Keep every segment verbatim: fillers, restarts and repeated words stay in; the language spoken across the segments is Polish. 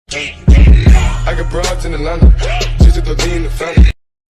I got broads in Atlanta, just to throw in the family.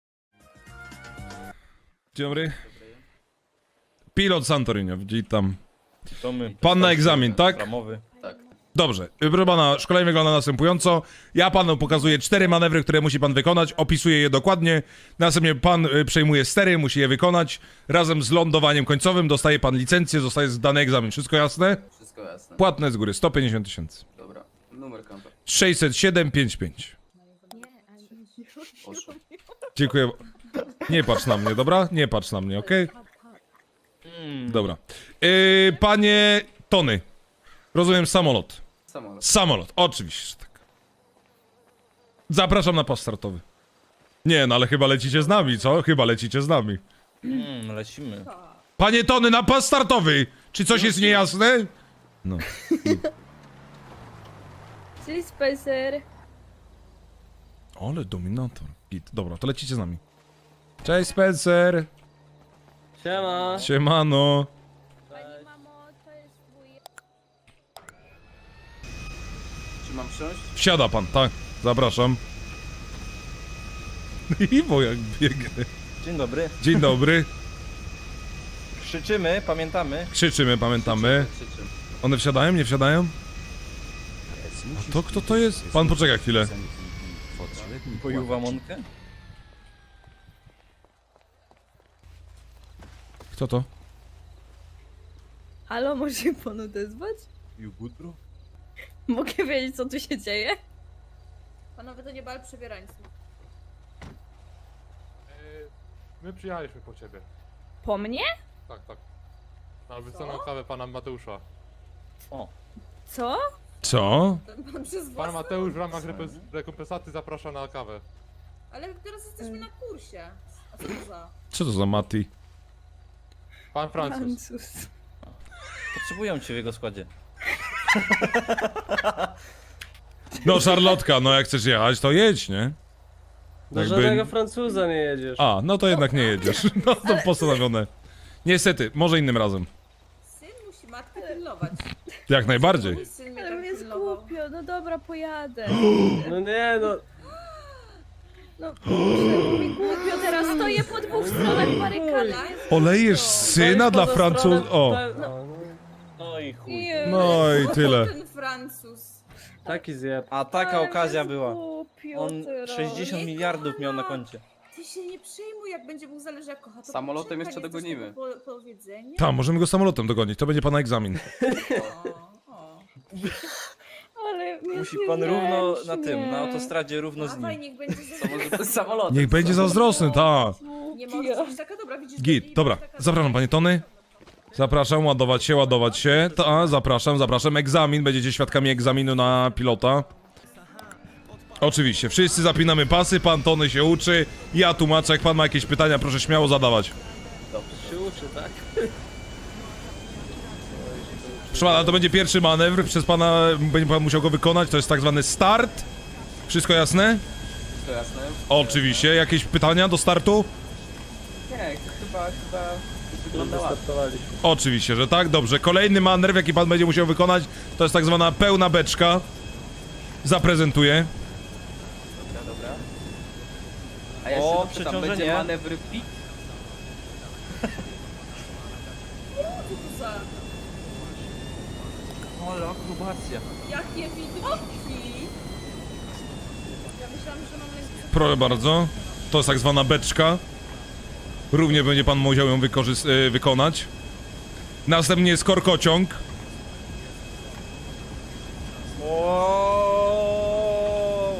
Dzień dobry. Pilot Santorini, witam. To my. Pan na egzamin, tak? Ramowy. Tak. Dobrze. Proszę pana, szkolenie wygląda następująco. Ja panu pokazuję cztery manewry, które musi pan wykonać, opisuję je dokładnie. Następnie pan y, przejmuje stery, musi je wykonać. Razem z lądowaniem końcowym dostaje pan licencję, zostaje zdany egzamin. Wszystko jasne? Wszystko jasne. Płatne z góry, sto pięćdziesiąt tysięcy. Dobra. Numer konta. sześćset siedem pięćdziesiąt pięć. Poszło. Dziękuję. Nie patrz na mnie, dobra? Nie patrz na mnie, okej? Dobra. Yy, panie Tony. Rozumiem samolot. Samolot. Samolot, oczywiście, że tak. Zapraszam na pas startowy. Nie, no ale chyba lecicie z nami, co? Chyba lecicie z nami. Mm, lecimy. Panie Tony, na pas startowy! Czy coś jest niejasne? No. Cześć Spencer. Ale dominator. Git. Dobra, to lecicie z nami. Cześć Spencer. Siema. Siemano. Pani mamo, to jest twój... Czy mam wsiąść? Wsiada pan, tak. Zapraszam. I bo jak biegnie. Dzień dobry. Dzień dobry. Krzyczymy, pamiętamy. Krzyczymy, pamiętamy. Krzyczy. One wsiadają, nie wsiadają? A to kto to jest? Pan poczeka chwilę. Pojuwa Monkę. Kto to? Halo, może się pan odezwać? You good, bro? Mogę wiedzieć, co tu się dzieje? Panowie, to nie bal przebierańców. My przyjechaliśmy po ciebie. Po mnie? Tak, tak. Na wyceną kawę pana Mateusza. O. Co? Co? Ten pan przez Pan własną... Mateusz w ramach repes- rekompensaty zaprasza na kawę. Ale teraz jesteśmy na kursie. A co to za... Co to za Mati? Pan Francuz. Francuz. Potrzebują cię w jego składzie. No Szarlotka, no jak chcesz jechać, to jedź, nie? Do Jakby- żadnego Francuza nie jedziesz. A, no to jednak nie jedziesz. No to postanowione. Niestety, może innym razem. Syn musi matkę pilnować. Jak najbardziej. Mój syn mnie Ale tak mnie pilnował. skupio, no dobra, pojadę. No nie no. No kurczę, mi głupio, teraz stoję po dwóch stronach barykady. Olejesz syna dla Francuz... O, No. No i chuj. Nie, no i tyle. Ten Francuz. Taki zjeb. A taka ale okazja mnie była. Skupio On teraz. sześćdziesiąt Nie miliardów miał na kocha. koncie. Ty się nie przejmuj, jak będzie Bóg zależy jak kocha. To Samolotem poczeka, jeszcze nie chcesz dogonimy. tego Po, powiedzenia? Tam, możemy go samolotem dogonić, to będzie pana egzamin. O, o. Ale mnie Musi pan równo na tym, zręcznie. na autostradzie równo z Dawaj, nim. niech będzie To może to jest samolot. Niech będzie zazdrosny, ta. Nie możesz być taka dobra, widzisz? Git, że- dobra, taka- zapraszam panie Tony. Zapraszam, ładować się, ładować się. Ta, zapraszam, zapraszam. Egzamin, będziecie świadkami egzaminu na pilota. Oczywiście, wszyscy zapinamy pasy, pan Tony się uczy. Ja tłumaczę, jak pan ma jakieś pytania, proszę śmiało zadawać. Się uczy, tak? Proszę pana, to będzie pierwszy manewr, przez pana będzie pan musiał go wykonać, to jest tak zwany start. Wszystko jasne? Wszystko jasne? Oczywiście, jakieś pytania do startu? Nie, chyba, chyba wygląda ładnie. Startowaliśmy. Oczywiście, że tak, dobrze. Kolejny manewr, jaki pan będzie musiał wykonać, to jest tak zwana pełna beczka. Zaprezentuję. Dobra, dobra. A ja O, się dopytam, przeciążenie. będzie manewr pit? Co za... Ale akrobacja. Jakie widoki! Ja myślałam, że mam lęk przed... Proszę bardzo. To jest tak zwana beczka. Równie będzie pan musiał ją wykorzys- y, wykonać. Następnie jest korkociąg. Wow.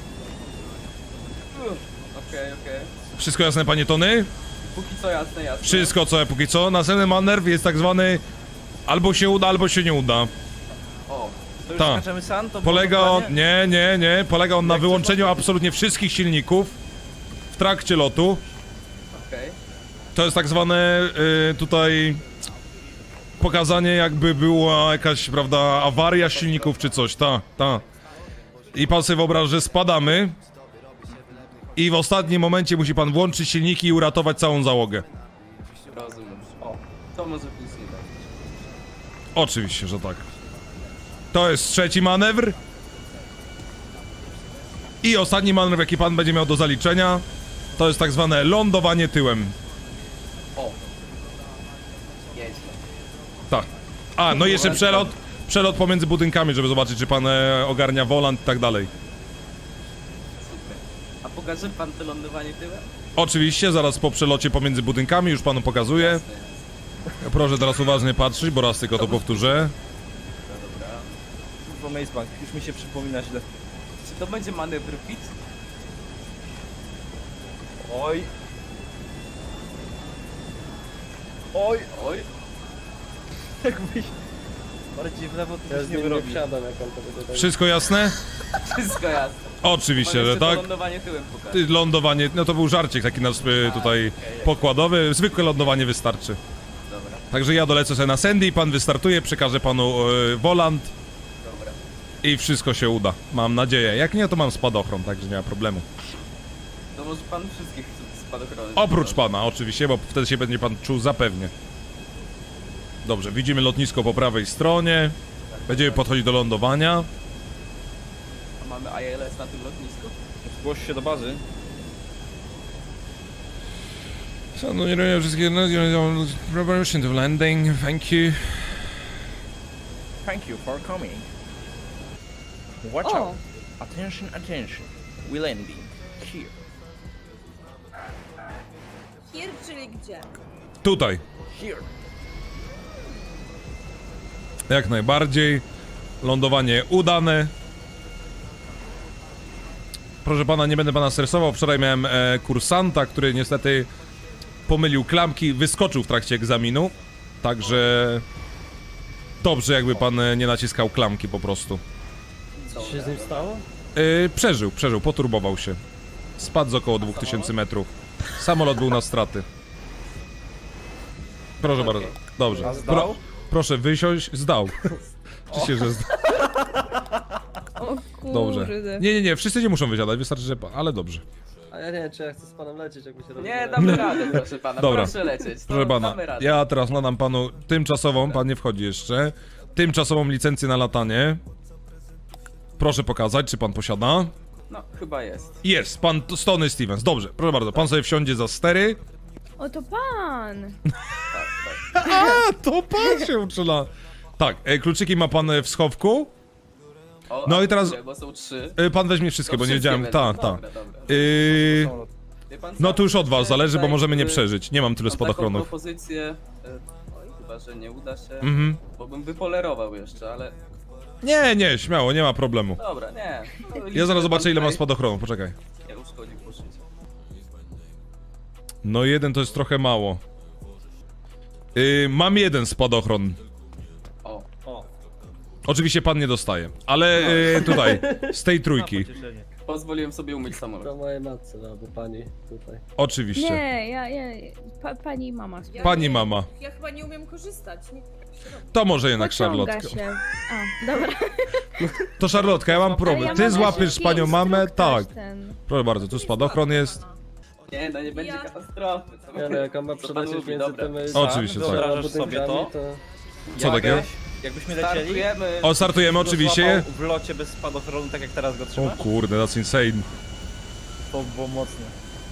Okej, okej. Wszystko jasne, panie Tony? Póki co jasne, jasne. Wszystko, co póki co. Następny manewr jest tak zwany albo się uda, albo się nie uda. O, To już Ta. skaczemy sam? To Polega było on... dokładnie? Nie, nie, nie. Polega on na Jak wyłączeniu absolutnie wszystkich silników w trakcie lotu. okej. To jest tak zwane y, tutaj pokazanie, jakby była jakaś, prawda, awaria silników czy coś, ta, ta. I pan sobie wyobraża, że spadamy i w ostatnim momencie musi pan włączyć silniki i uratować całą załogę. Rozumiem. O, to może plus nie dać. Oczywiście, że tak. To jest trzeci manewr. I ostatni manewr, jaki pan będzie miał do zaliczenia, to jest tak zwane lądowanie tyłem. O. Jedź. Tak. A, no i jeszcze przelot, przelot pomiędzy budynkami, żeby zobaczyć, czy pan e, ogarnia wolant i tak dalej. Super. A pokaże pan to lądowanie tyłem? Oczywiście, zaraz po przelocie pomiędzy budynkami już panu pokazuję. Proszę teraz uważnie patrzeć, bo raz tylko to powtórzę. Kurwa, Maze Bank, już mi się przypomina źle. Czy to będzie manewr pit? Oj. Oj, Oj. jakbyś... Bardziej w lewo to Ja byś z nie nim nie wyrobił. wsiadam, jak on to będzie tak. Wszystko jasne? Wszystko jasne. Oczywiście, Pan że jeszcze to tak. lądowanie tyłem pokaże. Ty, Lądowanie, no to był żarcik taki nasz y, tutaj pokładowy. Zwykłe lądowanie wystarczy. Dobra, Także ja dolecę sobie na Sandy, pan wystartuje, przekażę panu y, wolant dobra. i wszystko się uda. Mam nadzieję. Jak nie, to mam spadochron, także nie ma problemu. To może pan wszystkich spadochrony. Oprócz pana, oczywiście, bo wtedy się będzie pan czuł zapewnie. Dobrze, widzimy lotnisko po prawej stronie. Będziemy podchodzić do lądowania. A mamy I L S na tym lotnisku? Zgłoś się do bazy. Szanuję wszystkie preparation to landing, thank you. Thank you for coming. Watch O. out. Attention, attention. We landing. Here. Here, czyli gdzie? Tutaj. Here. Jak najbardziej. Lądowanie udane. Proszę pana, nie będę pana stresował. Wczoraj miałem e, kursanta, który niestety pomylił klamki, wyskoczył w trakcie egzaminu. Także dobrze, jakby pan e, nie naciskał klamki po prostu. Co się z nim stało? E, przeżył, przeżył, poturbował się. Spadł z około dwóch tysięcy metrów. Samolot był na straty. Proszę bardzo. Dobrze. A zdał? Proszę wysiąść. Zdał. Oczywiście, że zdał. O kurde. Dobrze. Nie, nie, nie, wszyscy nie muszą wysiadać, wystarczy, że... pa- Ale dobrze. A ja nie wiem, czy ja chcę z panem lecieć, jak mi się Nie, rozumie. damy radę, proszę pana. Dobra. Proszę lecieć. Proszę No, pana, damy radę. ja teraz nadam panu tymczasową, pan nie wchodzi jeszcze, tymczasową licencję na latanie. Proszę pokazać, czy pan posiada. No, chyba jest. Jest, pan Stony Stevens, dobrze, proszę bardzo, pan sobie wsiądzie za stery. O, to pan. A, to pan się uczyla. Tak, e, kluczyki ma pan e, w schowku. O, No a i teraz- które, Bo są trzy. E, pan weźmie wszystkie, To bo nie wszystkie wiedziałem, wezmę. tak, tak. Dobra, dobra. Yy, Wie pan co? no to już od was zależy, bo Tutaj, możemy nie y, przeżyć, nie mam tyle Mam taką spadochronów. propozycję, e, oj, chyba, że nie uda się, Mhm. bo bym wypolerował jeszcze, ale Nie, nie, śmiało, nie ma problemu. dobra, nie. No, Ja liczę, zaraz że zobaczę, pan ile mam tutaj spadochronów, poczekaj. Nie uszkodził poszycia. No jeden to jest trochę mało. Yy, mam jeden spadochron. O, O. Oczywiście pan nie dostaje, ale yy, tutaj, z tej trójki. Pocieszenie. pozwoliłem sobie umyć samolot. To mojej matce, no, albo pani tutaj. Oczywiście. Nie, ja, ja, pa, pani i mama. Ja Pani nie- mama. Ja chyba nie umiem korzystać. Nie. To może jednak Pociąga Charlotte. się. A, dobra. To Charlotka, ja mam Ale problem. ja Ty mam złapiesz taki panią mamę? instruktaż Tak. ten. Proszę bardzo, tu spadochron jest. Nie, no nie będzie Ja- katastrofy. Co Nie no, jak on ma co pan przelecieć lubi, między dobra. tymi... Oczywiście, tak. Wyobrażasz sobie to? budynkami, Co Jak takiego? Jakbyśmy lecieli? Startujemy. O, startujemy Go oczywiście. złapał w locie bez spadochronu, tak jak teraz go O trzymasz? kurde, that's insane. To było mocne.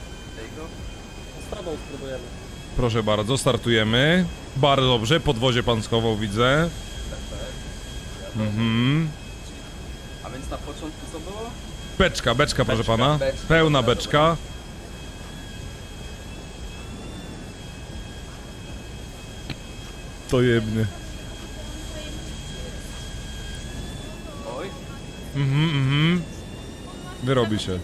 Z tobą spróbujemy. Proszę bardzo, startujemy. Bardzo dobrze, podwozie pan schował, widzę. Mhm. A więc na początku co było? Beczka, beczka, proszę Beczka, pana. beczka, Pełna dobra, beczka. To jebnie. Oj, Mhm, mhm. Wyrobi się.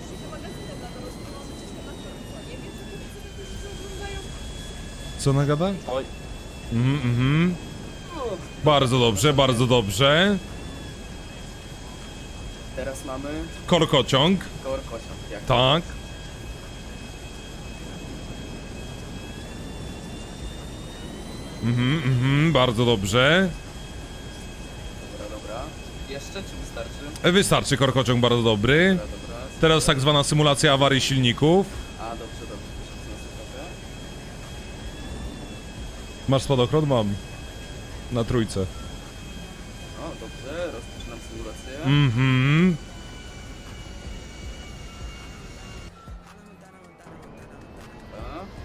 Co nagada? Oj. Mhm, mhm. Bardzo dobrze, bardzo dobrze. teraz mamy Korkociąg, korkociąg. Jak tak. Mhm, mhm, bardzo dobrze. Dobra, dobra. Jeszcze czy wystarczy? E, Wystarczy korkociąg, bardzo dobry. Dobra, dobra. Teraz tak zwana symulacja awarii silników. A, dobrze, dobrze. Proszę na sekundę. Masz spadochron? Mam. Na trójce. O, dobrze, rozpoczynam symulację. Mhm.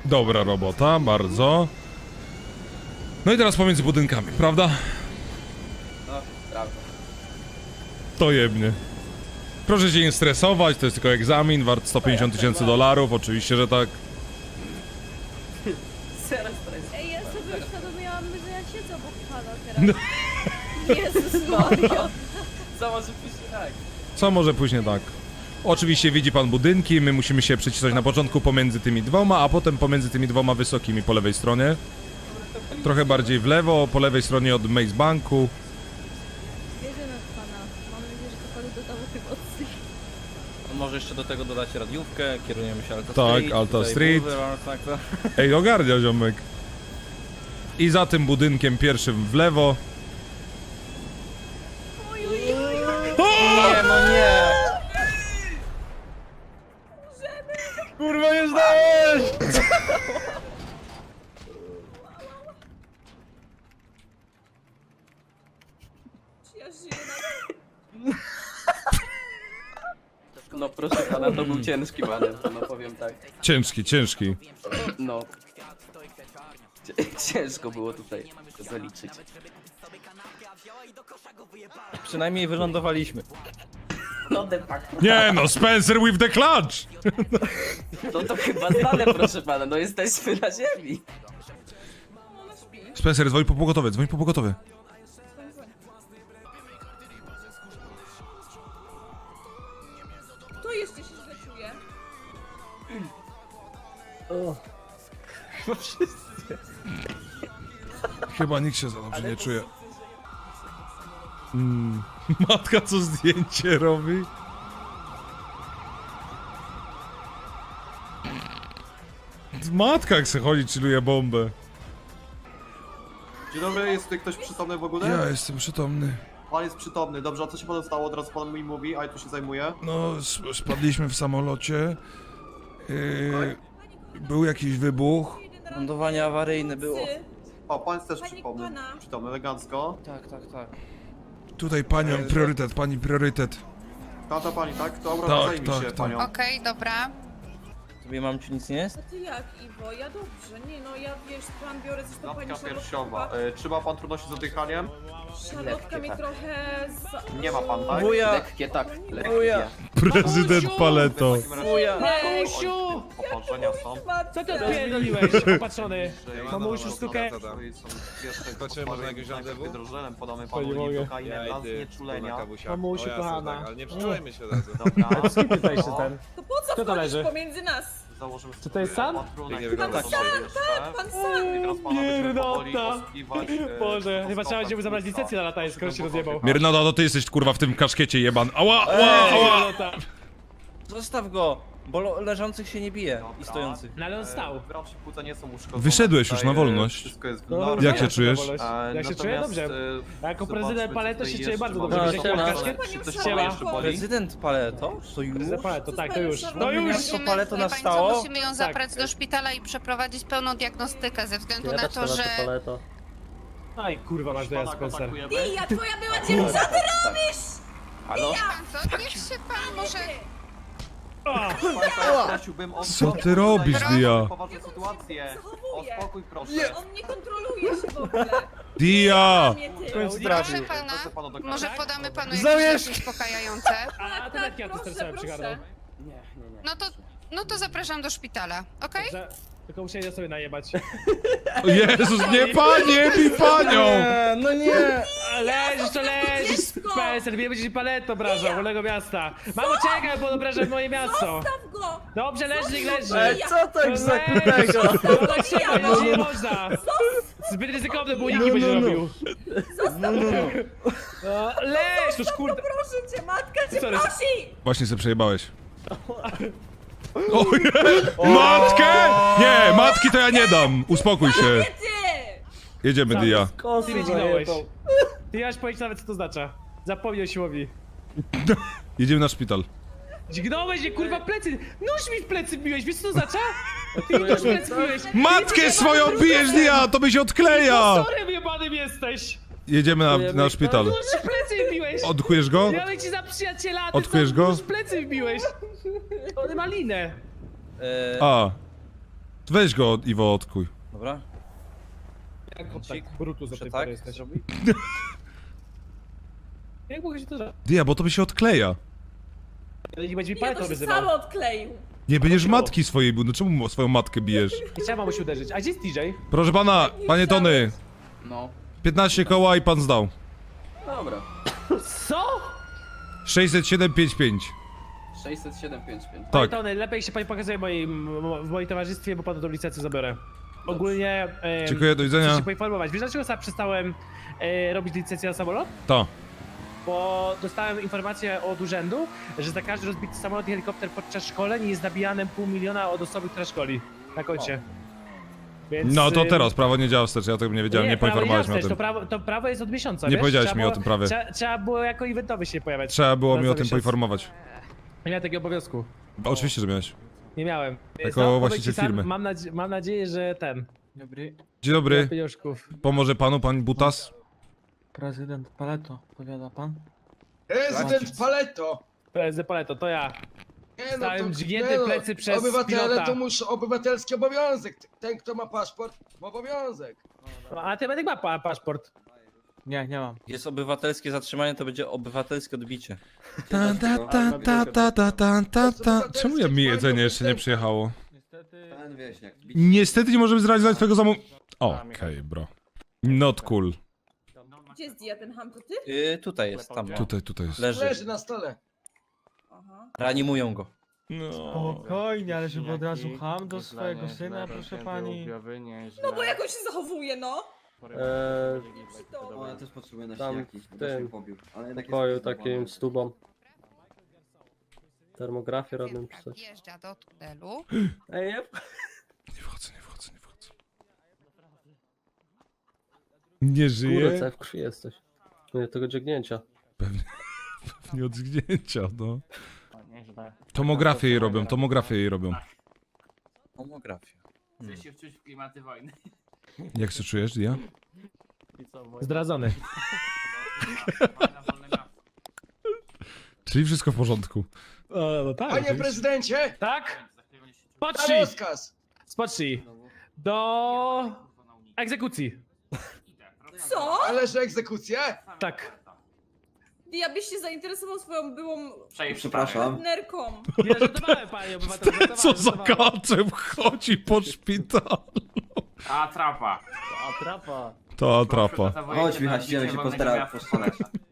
Dobra robota, bardzo. No i teraz pomiędzy budynkami, prawda? No, prawda. To jebnie. Proszę się nie stresować, to jest tylko egzamin, wart sto pięćdziesiąt tysięcy dolarów, oczywiście, że tak. Zaraz teraz. Ej, ja sobie uświadomiłam, że ja siedzę obok pana teraz. Jezus Maria. Co może pójść tak? Co może później tak? Oczywiście widzi pan budynki, my musimy się przycisnąć na początku pomiędzy tymi dwoma, a potem pomiędzy tymi dwoma wysokimi po lewej stronie. Trochę bardziej w lewo, po lewej stronie od Maze Banku. Wierzymy w pana. Mam nadzieję, że to panu dodało tych emocji. Może jeszcze do tego dodać radiówkę, kierujemy się Alta Tak, Street. Alta tutaj Street. Boulevard, tak, tak. Ej, ogarnia ziomek. I za tym budynkiem pierwszym w lewo. Nie, no nie! Kurwa, nie zdałeś! Czy ja żyję na... No proszę pana, to był ciężki manewr, no powiem tak. Ciężki, ciężki. No. Cie- Ciężko było tutaj to zaliczyć. Przynajmniej wylądowaliśmy. No de facto. Nie no, Spencer with the clutch! No to chyba znane, proszę pana, no jesteśmy na ziemi. Spencer, dzwoń po pogotowie, dzwoń po pogotowie. Kto jeszcze się źle czuje? Chyba nikt się za dobrze nie czuje. Mm. Matka co zdjęcie robi? Matka jak se chodzi, chilluje bombę. Dzień dobry, jest tutaj ktoś przytomny w ogóle? Ja jestem przytomny. Pan jest przytomny, dobrze, a co się panu stało? Od razu pan mi mówi, a ja tu się zajmuję. No, sp- spadliśmy w samolocie. Yy, był jakiś wybuch. Lądowanie awaryjne było. Ty, O, pan jest też Panie przytomny, pana. przytomny, elegancko. Tak, tak, tak. Tutaj panią priorytet, pani priorytet. Ta, ta pani, tak? To Tak, Aura, zajmij tak, się tak. panią. Okej, dobra. Tobie mam ci nic nie jest? a ty jak, Iwo? Ja dobrze. Nie no, ja wiesz, plan biorę zresztą pani Klatka Szarlotka. piersiowa. E, czy ma pan trudności z oddychaniem? Szarlotka mnie tak. trochę za... Nie ma pan, tak? Wuja! Lekkie tak, Wuja! lekkie. Prezydent Paleto. W takim razie Wuja! Mamusiu! Opatrzenia są. Co ty Pierdoliłeś, opatrzony. Mamusiu, sztukę. Zobaczymy, może jakieś randewu? Wydrożelem podamy To nie panu mogę. lidokainę dla znieczulenia. Mamusiu, kochana. Ale nie przyczulajmy się razem. Dobra. Z kim tutaj się ten? To po co Kto to wchodzisz leży? pomiędzy nas? Założymy Czy to jest sam? patrunek. Nie wygląda Pan sam, tak, Pan sam! I teraz pana będziemy powoli Pierdolta. osłuchiwać, e, Boże, chyba stopem trzeba będzie mu zabrać pulsa. licencję na latanie, skoro się rozjebał. Miernoda, to ty jesteś kurwa w tym kaszkiecie jeban. Ała, ała, ała! No tak. Zostaw go! Bo lo- leżących się nie bije i Dobra. stojących. No ale on stał. Brawcze płuca nie są uszkodzone. Wyszedłeś już Tutaj, na e, wolność. Wszystko jest w No, normie. Jak się czujesz? E, Jak się natomiast, czuję? Dobrze. e, Jako zobaczmy, prezydent co Paleto tutaj się czuję jeszcze bardzo mamy. dobrze. No, Wiecie, jak siema. kaszkiet? Czy coś Siema. pana jeszcze boli? Prezydent Paleto? To już? Prezydent Paleto, tak, to już. No No już! Musimy, Paleto wie pani co, nastało? musimy ją zabrać do szpitala i przeprowadzić pełną diagnostykę ze względu na to, że... Aj, kurwa, masz dojazd, Pana Spencer. kontaktujemy. Ty, ja twoja była dziewczyna, co ty robisz? Halo? Pan co? Niech się pan może... Państwa, ja prosiłbym o Co ty robisz, Dia? Poważne sytuacje. O Zachowuję. spokój, proszę. On nie kontroluje się w ogóle. Dia! Nie ty. końcu Proszę trafił. pana, Proszę pana do może kamery. podamy panu Zamierz! jakieś leki uspokajające? A tabletki antystresowe przygarnął. Nie, nie, nie. No to, no to zapraszam do szpitala, okej? Że- Tylko musieli sobie najebać. O Jezus, nie panie, bij panią! no nie! Leżysz to leżysz, dziecko! Spencer, nie będziesz paletą obrażał, wolnego miasta. Mamo, czekaj, bo obrażasz moje miasto. Zostaw go! Dobrze, leży, niech leży. Ej, Co tak za Leży. kutego? No tak trzeba, no nie można. Zbyt ryzykowne było, nikt nie będzie robił. No, leż, to szkurda. Proszę cię, matka cię Sorry. prosi! Właśnie sobie przejebałeś. O nie! Matkę! Nie, matki to ja nie dam. Uspokój się. Ty! Jedziemy, Dia. Ty mnie dźgnąłeś. Ty nie masz pojęcia nawet co to oznacza. Zapomnij o siłowi. Jedziemy na szpital. Dźgnąłeś mnie, kurwa, plecy! Nóż mi w plecy biłeś, wiesz co to oznacza? Ty mi nóż w plecy biłeś! Matkę swoją bijesz, Dia! To by się odkleja! Sorry, wyjebanym jesteś! Jedziemy na, na szpital. Nóż w plecy wbiłeś! Odkujesz go? Miałem ci za przyjaciela, a ty Odkujesz sam go? nóż w plecy wbiłeś! On ma linę! E, A. Weź go, Iwo, odkuj. Dobra. Jak Cik. tak Brutus do Muszę tej tak pory jesteś. zrobić? Jak mogę się to zrobić? Dia, bo to by się odkleja. Ale nie będzie mi Nie, paletą to się wyzywał. samo odkleił. Nie będziesz Chodziło. matki swojej, bu- no czemu swoją matkę bijesz? Chciałem mamuś uderzyć. A gdzie jest T J? Proszę pana, panie Tony, No, piętnaście koła i pan zdał. dobra. Co? sześćset siedem pięćdziesiąt pięć. sześćset siedem pięć pięć. Tak. Tony, lepiej się pani pokazuje w moim, w moim towarzystwie, bo panu tą licencję zabiorę. Ogólnie... em, Dziękuję, do widzenia. Chcę się poinformować. Wiesz dlaczego sam przestałem e, robić licencję na samolot? Ta. Bo dostałem informację od urzędu, że za każdy rozbity samolot i helikopter podczas szkoleń jest nabijane pół miliona od osoby, która szkoli. Na koncie. Więc, No to ym, teraz, prawo nie działa wstecz, ja tego nie wiedziałem, nie, prawo poinformowałeś działa mnie o wstecz, tym. To prawo, to prawo jest od miesiąca, Nie wiesz? powiedziałeś Trzeba mi o było- tym prawie. Trzeba, trzeba było jako eventowy się pojawiać. Trzeba było mi Na o co tym miesiąc. poinformować. Nie miałem takiego obowiązku. Oczywiście, że miałeś. Nie miałem. Jako Sam powiem właściciel ci sam, firmy. Mam, nadzie mam nadzieję, że ten. Dobry. Dzień dobry, Pieniążków. pomoże panu pan Butas? Prezydent Paleto, powiada pan? Prezydent Paleto! Prezydent Paleto, to ja. Nie Stałem dźgnięty nie no, plecy przez obywatele pilota. to muszą obywatelski obowiązek. Ten, kto ma paszport, ma obowiązek. No, a ty medyk ma pa paszport. Nie, nie mam. Jest obywatelskie zatrzymanie, to będzie obywatelskie odbicie. Ta, ta, ta, ta, ta, ta, ta, ta, ta. Czemu ja mi jedzenie jeszcze nie przyjechało? Pan wieśniak. Niestety nie możemy zrealizować twojego zamówienia. Okej, bro. Not cool. Gdzie jest Dia, ten ham, to ty? Yy, tutaj jest, tam. No. Tutaj, tutaj jest. Leży. Leży na stole. Aha. Reanimują go. No. Spokojnie, ale żeby od razu ham do swojego syna, proszę pani. No bo jak on się zachowuje, no? Eee, To... ja też potrzebuję na Tam śniaki, w bo też tym mnie pobił. Ale jednak pokoju jest takim z tubą. Termografię robię czy Jak coś. wjeżdża do tunelu. Ej, nie? Nie wchodzę, nie wchodzę, nie wchodzę. Nie Kurde, żyje? cały w krwi jesteś. Nie, tego dźgnięcia. Pewnie, pewnie od zgnięcia, no. Tomografię jej robią, tomografię jej robią. Tomografia. Chcę się wczuć w klimaty wojny. Jak się czujesz, Dia? Zdradzony. Czyli wszystko w porządku. O, no tak. Panie prezydencie, Tak? na Spocznij! rozkaz. Spocznij. Do... egzekucji. Co? Należy egzekucję? Tak. Dia, byś się zainteresował swoją byłą Przepraszam. partnerką. Nie, żartowałem, panie obywatel. żartowałem, Co za żartowałem. kaczem chodzi po szpitalu? A trapa. A trapa. To atrapa. Chodź Michał, idziemy się postarać.